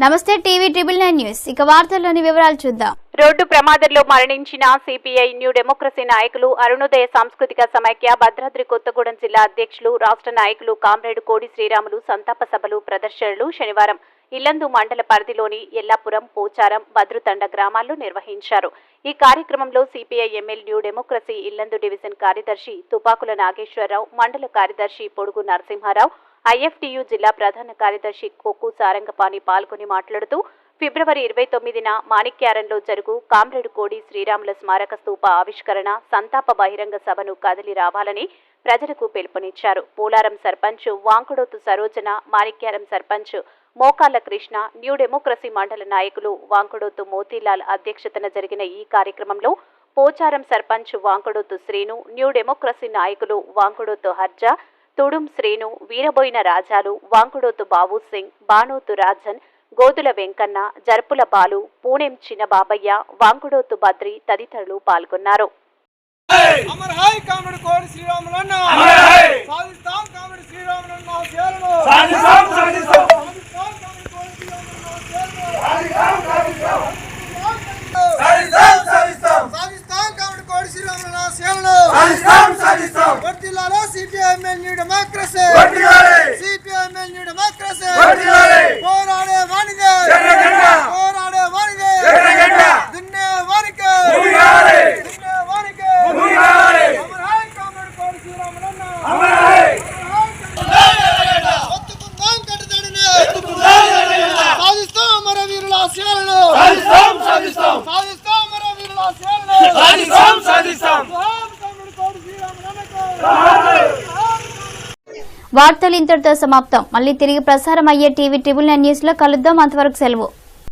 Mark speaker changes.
Speaker 1: నమస్తే TV triple 9 news ఇక వార్తల్లోని వివరాలు చూద్దాం.
Speaker 2: రోడ్డు ప్రమాదంలో మరణించిన సిపిఐ న్యూ డెమోక్రసీ నాయకులు అరుణోదయ సాంస్కృతిక సమైక్య భద్రాద్రి కొత్తగూడెం జిల్లా అధ్యక్షులు రాష్ట్ర నాయకులు కామ్రేడ్ కోడి శ్రీరాములు సంతాప సభలు ప్రదర్శనలు శనివారం ఇల్లందు మండల పరిధిలోని ఎల్లాపురం, పోచారం, భద్రుతండ గ్రామాల్లో నిర్వహించారు. ఈ కార్యక్రమంలో CPI ML new democracy Yellandu division కార్యదర్శి తుపాకుల నాగేశ్వరరావు, మండల కార్యదర్శి పొడుగు నరసింహారావు, ఐఎఫ్టియు జిల్లా ప్రధాన కార్యదర్శి కొక్కు సారంగపాణి పాల్గొని మాట్లాడుతూ ఫిబ్రవరి 29న మాణిక్యారంలో జరుగు కామ్రేడ్ కోడి శ్రీరాముల స్మారక స్తూప ఆవిష్కరణ సంతాప బహిరంగ సభను కదిలి రావాలని ప్రజలకు పిలుపునిచ్చారు. పోలారం సర్పంచ్ వాంకుడోతు సరోజన, మాణిక్యారం సర్పంచ్ మోకాళ్ల కృష్ణ, న్యూ డెమోక్రసీ మండల నాయకులు వాంకుడోతు మోతీలాల్ అధ్యక్షతన జరిగిన ఈ కార్యక్రమంలో పోచారం సర్పంచ్ వాంకుడోతు శ్రీను, న్యూ డెమోక్రసీ నాయకులు వాంకుడోతు హర్జా, తుడుం శ్రీను, వీరబోయిన రాజాలు, వాంకుడోతు బాబు సింగ్, బానోతు రాజన్, గోదుల వెంకన్న, జర్పుల బాలు, పూణెం చిన్న బాబయ్య, వాంకుడోతు బద్రి తదితరులు పాల్గొన్నారు.
Speaker 1: వార్తలు ఇంతటితో సమాప్తం. మళ్ళీ తిరిగి ప్రసారం అయ్యే టీవీ ట్రిబుల్ 9 న్యూస్ లో కలుద్దాం. అంతవరకు సెలవు.